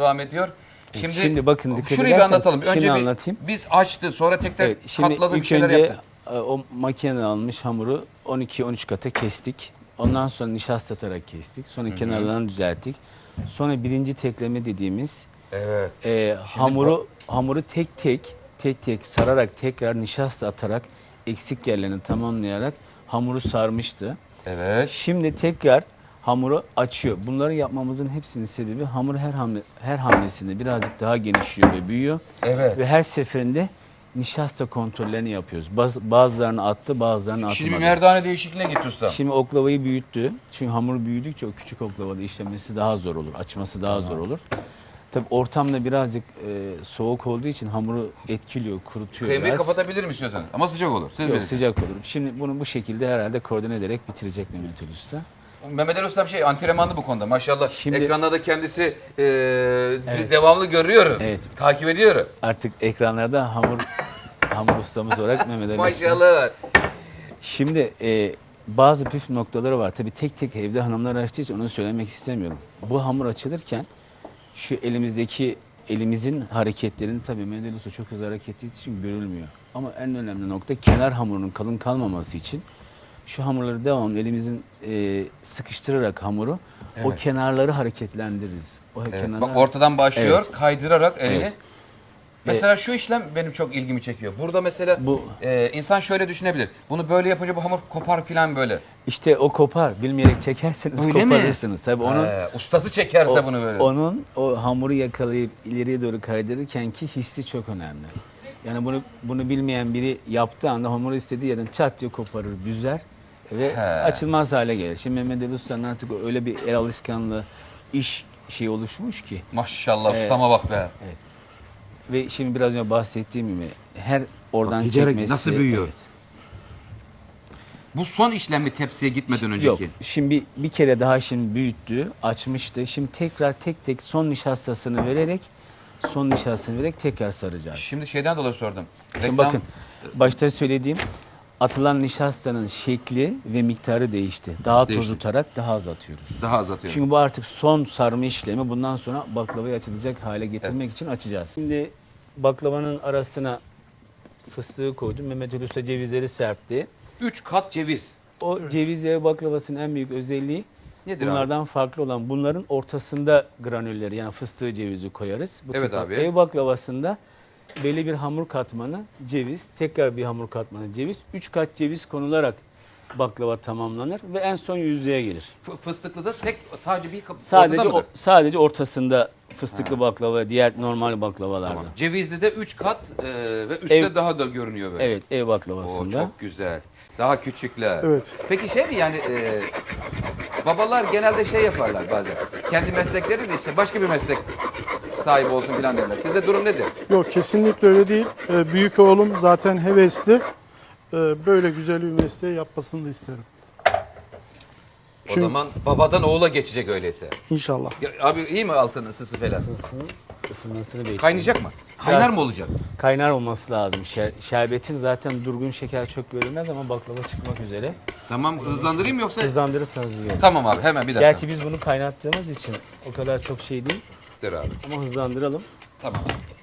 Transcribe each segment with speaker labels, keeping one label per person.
Speaker 1: devam ediyor.
Speaker 2: Şimdi bakın dikkat
Speaker 1: şurayı bir anlatalım.
Speaker 2: Şimdi
Speaker 1: Önce
Speaker 2: anlatayım.
Speaker 1: biz açtı, sonra tekrar
Speaker 2: Evet, şimdi
Speaker 1: katladı, bir
Speaker 2: ilk
Speaker 1: şeyler
Speaker 2: önce
Speaker 1: yaptı.
Speaker 2: o makineden almış hamuru 12-13 kata kestik. Ondan sonra nişastatarak kestik. Sonra kenarlarını düzelttik. Sonra birinci tekleme dediğimiz
Speaker 1: Evet.
Speaker 2: hamuru tek tek sararak tekrar nişasta atarak eksik yerlerini tamamlayarak hamuru sarmıştı.
Speaker 1: Evet.
Speaker 2: Şimdi tekrar hamuru açıyor. Bunları yapmamızın hepsinin sebebi hamur her hamlesinde birazcık daha genişliyor ve büyüyor.
Speaker 1: Evet.
Speaker 2: Ve her seferinde nişasta kontrollerini yapıyoruz. Bazılarını attı, bazılarını atmadı.
Speaker 1: Şimdi bir merdane değişikliğine gitti usta.
Speaker 2: Şimdi oklavayı büyüttü. Çünkü hamur büyüdükçe o küçük oklavada işlemesi daha zor olur. Açması daha zor olur. Tabii ortamda birazcık soğuk olduğu için hamuru etkiliyor, kurutuyor
Speaker 1: Kıymayı
Speaker 2: biraz.
Speaker 1: kapatabilir mi istiyorsanız? Ama sıcak olur. Siz
Speaker 2: Yok,
Speaker 1: bilirsiniz.
Speaker 2: sıcak olur. Şimdi bunu bu şekilde herhalde koordine ederek bitirecek Mehmet Ali Usta.
Speaker 1: Mehmet Ali Usta bir şey antrenmanlı bu konuda. Maşallah
Speaker 2: Şimdi-
Speaker 1: ekranda da kendisi devamlı görüyor.
Speaker 2: Evet.
Speaker 1: Takip ediyor.
Speaker 2: Artık ekranlarda hamur ustamız olarak Mehmet Ali Usta.
Speaker 1: Maşallah.
Speaker 2: Şimdi bazı püf noktaları var. Tabii tek tek evde hanımlar açtığı için onu söylemek istemiyorum. Bu hamur açılırken şu elimizin hareketlerini tabii Mehmet Ali Usta çok hızlı hareket ettiği için görülmüyor. Ama en önemli nokta kenar hamurunun kalın kalmaması için şu hamurları devamlı elimizin sıkıştırarak hamuru o kenarları hareketlendiririz.
Speaker 1: Evet. Bak ortadan başlıyor,
Speaker 2: Evet.
Speaker 1: kaydırarak elini.
Speaker 2: Evet.
Speaker 1: Mesela şu işlem benim çok ilgimi çekiyor. Burada mesela insan şöyle düşünebilir. Bunu böyle yapınca bu hamur kopar filan böyle.
Speaker 2: İşte o kopar. Bilmeyerek çekerseniz
Speaker 1: Öyle mi?
Speaker 2: koparırsınız. Tabii onun
Speaker 1: Ustası çekerse bunu böyle.
Speaker 2: Onun o hamuru yakalayıp ileriye doğru kaydırırken ki hissi çok önemli. Yani bunu bilmeyen biri yaptığı anda hamuru istediği yerden çat diye koparır, büzer ve açılmaz hale gelir. Şimdi Mehmet Ali Usta'nın artık öyle bir el alışkanlığı, iş şeyi oluşmuş ki.
Speaker 1: Maşallah ustama bak be.
Speaker 2: Ve şimdi biraz önce bahsettiğim gibi her oradan
Speaker 1: giderek
Speaker 2: çekmesi.
Speaker 1: nasıl büyüyor?
Speaker 2: Evet.
Speaker 1: Bu son işlem mi tepsiye gitmeden önceki?
Speaker 2: Yok. Şimdi bir kere daha şimdi büyüttü, açmıştı. Şimdi tekrar tek tek son nişastasını vererek tekrar saracağız.
Speaker 1: Şimdi şeyden dolayı sordum.
Speaker 2: Şimdi bakın başta söylediğim atılan nişastanın şekli ve miktarı değişti. Daha
Speaker 1: Değişti.
Speaker 2: toz tutarak daha az atıyoruz.
Speaker 1: Daha az atıyorum.
Speaker 2: Çünkü bu artık son sarma işlemi. Bundan sonra baklavayı açılacak hale getirmek için açacağız. Şimdi baklavanın arasına fıstığı koydum. Mehmet Ali Usta cevizleri serpti.
Speaker 1: 3 kat ceviz.
Speaker 2: O ceviz ev baklavasının en büyük özelliği
Speaker 1: Nedir
Speaker 2: bunlardan farklı olan bunların ortasında granülleri yani fıstığı cevizi koyarız. Bu
Speaker 1: Evet
Speaker 2: tip
Speaker 1: abi.
Speaker 2: Ev baklavasında belli bir hamur katmanı ceviz, tekrar bir hamur katmanı ceviz, 3 kat ceviz konularak baklava tamamlanır ve en son yüzlüğe gelir.
Speaker 1: Fıstıklı da sadece bir kapı
Speaker 2: Sadece ortasında fıstıklı baklava, diğer normal baklavalarda.
Speaker 1: Tamam. Cevizli de 3 kat ve üstte daha da görünüyor böyle.
Speaker 2: Evet, ev
Speaker 1: Oo,
Speaker 2: baklavasında.
Speaker 1: çok güzel. Daha küçükler.
Speaker 3: Evet.
Speaker 1: Peki şey mi yani babalar genelde şey yaparlar bazen. Kendi meslekleri de işte başka bir meslek sahibi olsun filan derler. Sizde durum nedir?
Speaker 3: Yok kesinlikle öyle değil. Büyük oğlum zaten hevesli. Böyle güzel bir mesleği yapmasını da isterim.
Speaker 1: O zaman babadan oğula geçecek öyleyse.
Speaker 3: İnşallah.
Speaker 1: Ya, abi iyi mi altın ısısı falan?
Speaker 2: Isınmasını bekliyoruz.
Speaker 1: Kaynayacak mı? Kaynar mı olacak?
Speaker 2: Kaynar olması lazım. Şerbetin zaten durgun şeker çok görünmez ama baklava çıkmak üzere.
Speaker 1: Tamam hızlandırayım yoksa?
Speaker 2: Hızlandırırsanız iyi olur.
Speaker 1: Tamam abi hemen bir dakika.
Speaker 2: Gerçi biz bunu kaynattığımız için o kadar çok şey değil
Speaker 1: Dur abi.
Speaker 2: ama hızlandıralım.
Speaker 1: Tamam.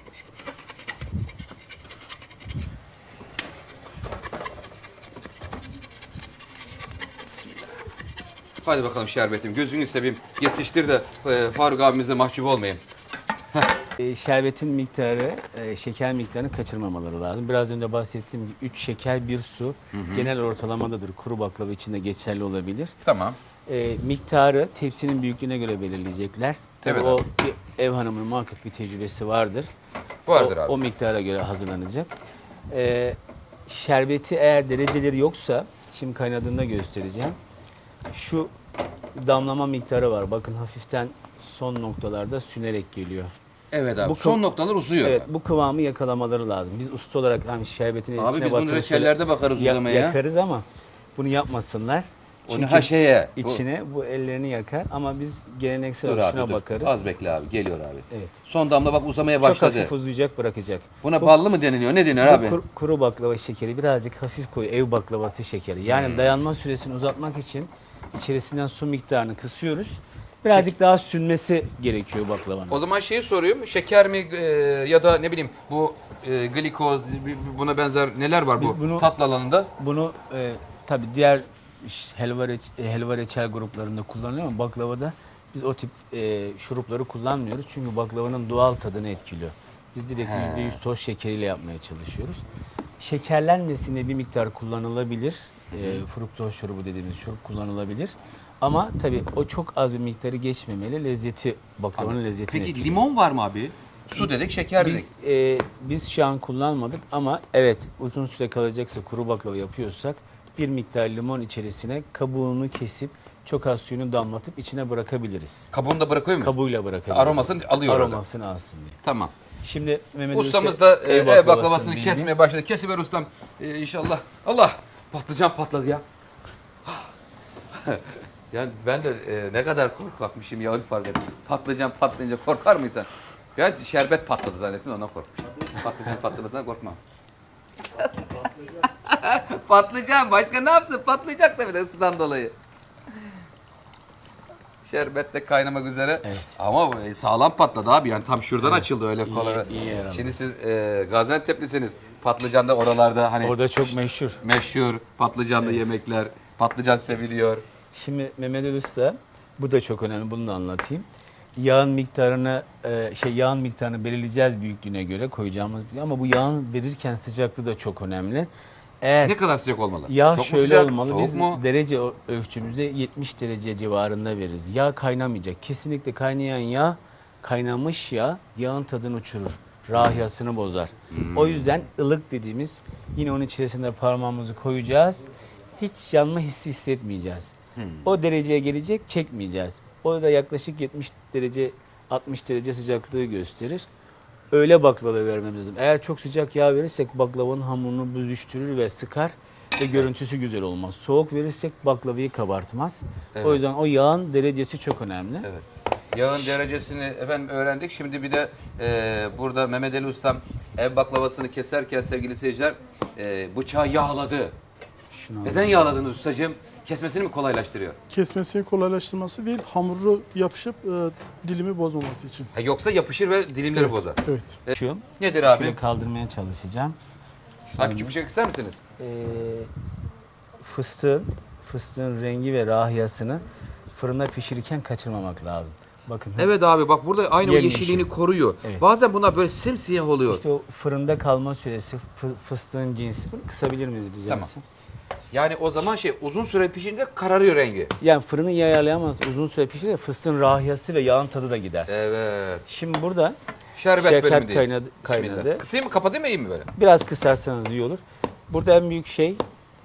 Speaker 1: Hadi bakalım şerbetim. Gözünü seveyim. Yetiştir de Faruk abimize mahcup olmayayım.
Speaker 2: Şerbetin miktarı, şeker miktarını kaçırmamaları lazım. Biraz önce bahsettiğim gibi 3 şeker 1 su genel ortalamadadır. Kuru baklava için de geçerli olabilir.
Speaker 1: Tamam.
Speaker 2: Miktarı tepsinin büyüklüğüne göre belirleyecekler. Tabii
Speaker 1: Evet
Speaker 2: o
Speaker 1: abi.
Speaker 2: ev hanımının muhakkak bir tecrübesi vardır.
Speaker 1: Vardır abi.
Speaker 2: O miktara göre hazırlanacak. Şerbeti eğer dereceleri yoksa, şimdi kaynadığında göstereceğim. Şu damlama miktarı var. Bakın hafiften son noktalarda sünerek geliyor.
Speaker 1: Evet abi.
Speaker 2: Bu
Speaker 1: Son noktalar uzuyor.
Speaker 2: Evet, bu kıvamı yakalamaları lazım. Biz usta olarak hani şerbetin
Speaker 1: Abi
Speaker 2: içine
Speaker 1: biz bunu
Speaker 2: batırıp
Speaker 1: reçellerde bakarız uzamaya.
Speaker 2: yakarız ama bunu yapmasınlar.
Speaker 1: Onu ha şeye.
Speaker 2: içine bu ellerini yakar ama biz geleneksel
Speaker 1: Dur
Speaker 2: olarak
Speaker 1: abi
Speaker 2: şuna
Speaker 1: dur.
Speaker 2: bakarız.
Speaker 1: Az bekle abi. Geliyor abi.
Speaker 2: Evet.
Speaker 1: Son damla bak uzamaya
Speaker 2: Çok
Speaker 1: başladı.
Speaker 2: hafif uzayacak, bırakacak.
Speaker 1: Buna ballı mı deniliyor? Ne denir abi?
Speaker 2: Kuru baklava şekeri birazcık hafif koyu, ev baklavası şekeri. Yani dayanma süresini uzatmak için içerisinden su miktarını kısıyoruz. Birazcık daha sünmesi gerekiyor baklavanın.
Speaker 1: O zaman şeyi soruyorum. Şeker mi ya da ne bileyim bu glikoz buna benzer neler var
Speaker 2: Biz
Speaker 1: bu
Speaker 2: bunu-
Speaker 1: tatlı alanında?
Speaker 2: Bunu tabii diğer helva reçel gruplarında kullanılıyor ama baklavada biz o tip şurupları kullanmıyoruz. Çünkü baklavanın doğal tadını etkiliyor. Biz direkt %100 toz şekeriyle yapmaya çalışıyoruz. Şekerlenmesine bir miktar kullanılabilir. Fruktoz şurubu dediğimiz şurup kullanılabilir. Ama tabii o çok az bir miktarı geçmemeli. Lezzeti, baklavanın lezzetini
Speaker 1: Peki
Speaker 2: etkiliyor.
Speaker 1: limon var mı abi? Su dedik, şeker dedik.
Speaker 2: Biz şu an kullanmadık ama evet uzun süre kalacaksa kuru baklava yapıyorsak bir miktar limon içerisine kabuğunu kesip çok az suyunu damlatıp içine bırakabiliriz.
Speaker 1: Kabuğunu da bırakıyor muyuz?
Speaker 2: Kabuğuyla bırakabiliriz.
Speaker 1: Aromasını alıyor orada.
Speaker 2: Aromasını alsın diye.
Speaker 1: Tamam.
Speaker 2: Şimdi Mehmet
Speaker 1: Ustamız
Speaker 2: Usta
Speaker 1: da ev baklavasını
Speaker 2: bildi.
Speaker 1: kesmeye başladı. Kesiver ustam. İnşallah. Allah! Patlıcan patladı ya. Yani ben de ne kadar korkakmışım ya onu fark ettim. Patlıcan patlayınca korkar mısın? Ben şerbet patladı zannettim ondan korkmuştum. Patlıcan patlamasından korkmam. Patlıcan başka ne yapsın? Patlayacak tabii de ısıdan dolayı. Şerbet de kaynamak üzere.
Speaker 2: Evet.
Speaker 1: Ama sağlam patladı abi. Yani tam şuradan açıldı öyle kolay.
Speaker 2: iyi yer aldı.
Speaker 1: Şimdi siz Gaziantep'lisiniz. Patlıcan da oralarda hani
Speaker 2: Orada çok meşhur.
Speaker 1: meşhur patlıcanlı yemekler. Patlıcan seviliyor.
Speaker 2: Şimdi Mehmet Ali Usta bu da çok önemli, bunu da anlatayım. Yağın miktarını yağın miktarını belirleyeceğiz büyüklüğüne göre koyacağımız ama bu yağın verirken sıcaklığı da çok önemli. Eğer
Speaker 1: Ne kadar sıcak olmalı?
Speaker 2: yağ
Speaker 1: Çok mu
Speaker 2: şöyle
Speaker 1: sıcak,
Speaker 2: olmalı.
Speaker 1: soğuk
Speaker 2: Biz
Speaker 1: mu?
Speaker 2: derece ölçümüzde 70 derece civarında veririz. Yağ kaynamayacak. Kesinlikle kaynayan yağ, kaynamış yağ yağın tadını uçurur. Rahiyasını bozar. O yüzden ılık dediğimiz yine onun içerisine parmağımızı koyacağız. Hiç yanma hissi hissetmeyeceğiz. O dereceye gelecek, çekmeyeceğiz. O da yaklaşık 70 derece 60 derece sıcaklığı gösterir. Öyle baklava vermemiz lazım. Eğer çok sıcak yağ verirsek baklavanın hamurunu büzüştürür ve sıkar ve görüntüsü güzel olmaz. Soğuk verirsek baklavayı kabartmaz.
Speaker 1: Evet.
Speaker 2: O yüzden o yağın derecesi çok önemli.
Speaker 1: Evet. Yağın derecesini efendim öğrendik. Şimdi bir de burada Mehmet Ali Ustam ev baklavasını keserken sevgili seyirciler bıçağı yağladı.
Speaker 2: Şunu
Speaker 1: Neden yağladınız ustacığım? Kesmesini mi kolaylaştırıyor?
Speaker 3: Kesmesini kolaylaştırması değil, hamuru yapışıp dilimi bozmaması için.
Speaker 1: Ha, yoksa yapışır ve dilimleri bozar.
Speaker 3: Evet.
Speaker 2: Şu,
Speaker 1: Nedir abi?
Speaker 2: şöyle kaldırmaya çalışacağım.
Speaker 1: Ha, küçük bir şey ister misiniz?
Speaker 2: Fıstığın rengi ve rahiyasını fırında pişirirken kaçırmamak lazım. Bakın.
Speaker 1: Evet abi bak burada aynı o
Speaker 2: Yemyeşil.
Speaker 1: yeşilliğini koruyor.
Speaker 2: Evet.
Speaker 1: Bazen bunlar böyle simsiyah oluyor.
Speaker 2: İşte o fırında kalma süresi, fıstığın cinsi. Bunu kısabilir miyiz rica
Speaker 1: Tamam.
Speaker 2: etsem?
Speaker 1: Yani o zaman uzun süre pişince kararıyor rengi.
Speaker 2: Yani fırını iyi ayarlayamaz. Uzun süre pişirince fıstığın rahiyası ve yağın tadı da gider.
Speaker 1: Evet.
Speaker 2: Şimdi burada
Speaker 1: Şerbet
Speaker 2: şeker
Speaker 1: bölümündeyiz.
Speaker 2: kaynadı.
Speaker 1: Bismillah. Kısayım mı kapatayım mı iyi mi böyle?
Speaker 2: Biraz kısarsanız iyi olur. Burada en büyük şey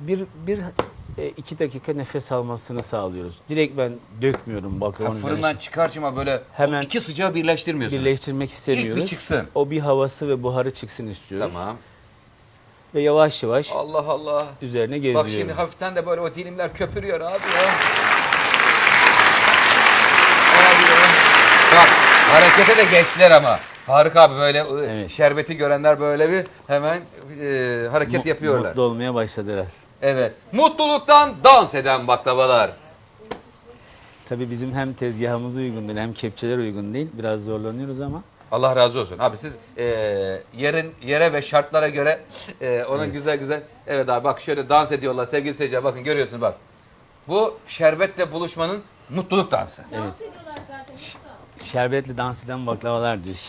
Speaker 2: iki dakika nefes almasını sağlıyoruz. Direkt ben dökmüyorum
Speaker 1: Ha,
Speaker 2: baklavanın
Speaker 1: fırından
Speaker 2: üzerine.
Speaker 1: çıkarcıma böyle
Speaker 2: Hemen
Speaker 1: iki sıcağı birleştirmiyorsun.
Speaker 2: Birleştirmek istemiyoruz.
Speaker 1: İlk bir çıksın.
Speaker 2: O bir havası ve buharı çıksın istiyoruz.
Speaker 1: Tamam.
Speaker 2: Ve yavaş yavaş
Speaker 1: Allah Allah.
Speaker 2: üzerine
Speaker 1: Bak
Speaker 2: gezdiriyorum.
Speaker 1: şimdi hafiften de böyle o dilimler köpürüyor abi ya. Abi ya. Bak harekete de geçtiler ama. Faruk abi böyle
Speaker 2: Evet.
Speaker 1: şerbeti görenler böyle bir hemen hareket yapıyorlar.
Speaker 2: Mutlu olmaya başladılar.
Speaker 1: Evet. Mutluluktan dans eden baklavalar.
Speaker 2: Tabii bizim hem tezgahımız uygun değil hem kepçeler uygun değil. Biraz zorlanıyoruz ama.
Speaker 1: Allah razı olsun. Abi siz yere ve şartlara göre ona güzel güzel. Evet abi bak şöyle dans ediyorlar sevgili seyirciler. Bakın görüyorsunuz bak. Bu şerbetle buluşmanın mutluluk dansı.
Speaker 2: Evet. Şerbetli dans eden baklavalar diyor.